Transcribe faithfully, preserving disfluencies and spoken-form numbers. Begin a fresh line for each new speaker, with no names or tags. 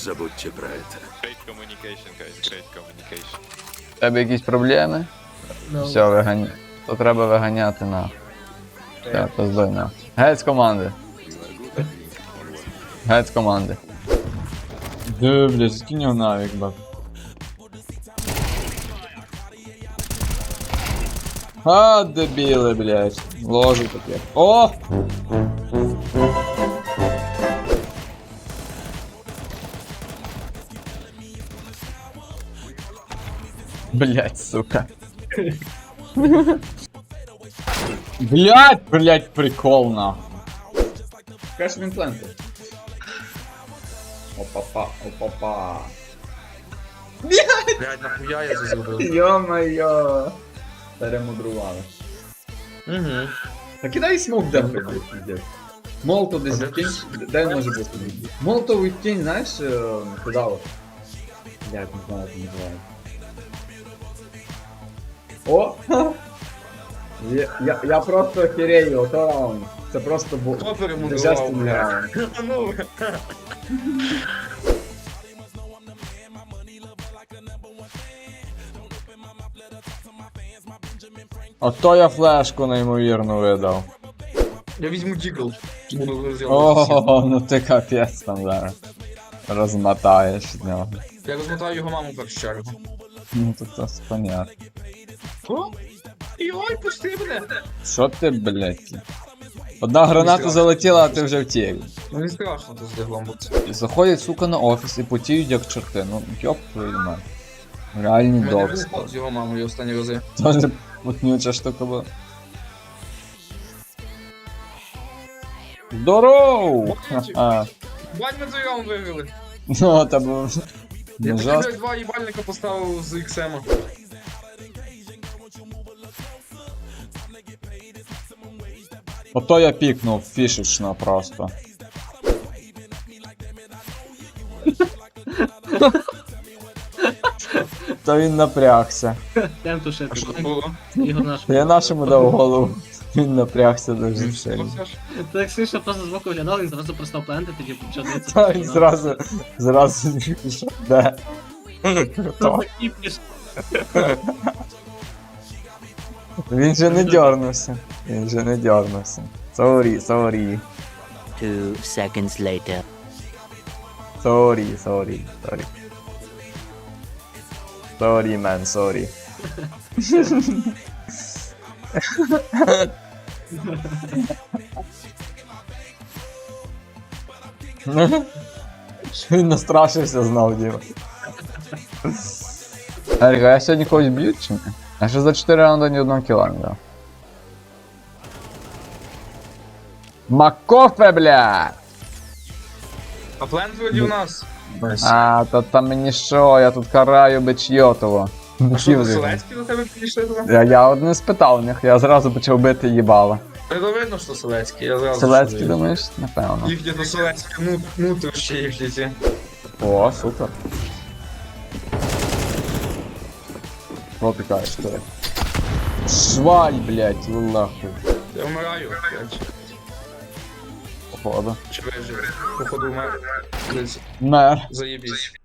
забудьте про это.
Great communication, guys, great communication.
В тебе якісь проблеми? Все, виганя. То треба виганяти на. Все, пиздуй на. Геть з команди. Геть з команди. Де, блядь, скинь його навік, бак. А, дебіли, блядь. Ложу таке. О! Блядь, сука. Блядь, блядь, прикол, нахуй. Каш він пленти. Опа-па, опа-па.
Блядь, нахуя я це зробив?
Йо-моє. Перемудрували.
Угу.
Та кидай смок де прийде. Молотов десь в тінь. Де він може бути? Молотов в тінь, знаєш, куди от? Блядь, не знаю, як називається. О! Я, я, я просто охерею, ото раунд. Це просто був
Хто перемудрував,
божественний
блядь?
раунд.
Ну,
Ото я флешку неймовірно видав.
я візьму дігл. Буду розйомувати.
Ого, ну ти капець там зараз. Розмотаєш з нього.
Я розмотаю його маму в першу чергу.
Ну тут це понятно.
О? Йой, пусти мене!
Що ти, блядь? Одна граната залетіла, а ти вже втік.
Ну не страшно тут з диглом бути.
І заходять, сука, на офіс і потіють як чорти. Ну, йоп твою мать. Реальні
У мене
довгі.
виспав з його мамою останні рази.
Тоже путнюча штука була. Здороу! Ха-ха.
Бань, ми цей раунд виграли.
Ну, та був...
Я
Ну,
таки,
жорстко.
блядь, два їбальника поставив з іксема.
Ото я пікнув фішечно просто. То він напрягся.
Тем
А
тушити.
що там було?
Ігор наш.
Я нашому дав голову. Він напрягся дуже сильно.
Ти як Сиша просто збоку виглядав, він зразу перестав плентити, тоді почав дивитися.
Та він зразу, зразу пішов. Де? Хто? Він же не дьорнувся. Він же не дьорнувся. Сорі, сорі.
Two seconds later.
Сорі, сорі, сорі. Сорі, мен, сорі. Він настрашився знов, Діма. Еріка, я сьогодні когось б'ю чи ні? Я ще за чотири раунда ні одного кіла не дав. Макофе, бля!
А плент вроді у нас.
А, то там мені що, я тут караю бичйотово.
А що, Селецькі до тебе підійшли туди?
Я, я от не спитав у них, я зразу почав бити їбала.
Це видно, що Селецькі, я зразу.
Селецький,
чую.
думаєш? Напевно.
Їхні до Селецькі, ну, ну то ще їхні ці.
О, супер. Що ти кажеш, ти? Шваль, блядь, лахуй.
Я вмираю, блядь.
Походу.
Чи вижив? Походу вмер. Десь,
Мер.
заєбісь.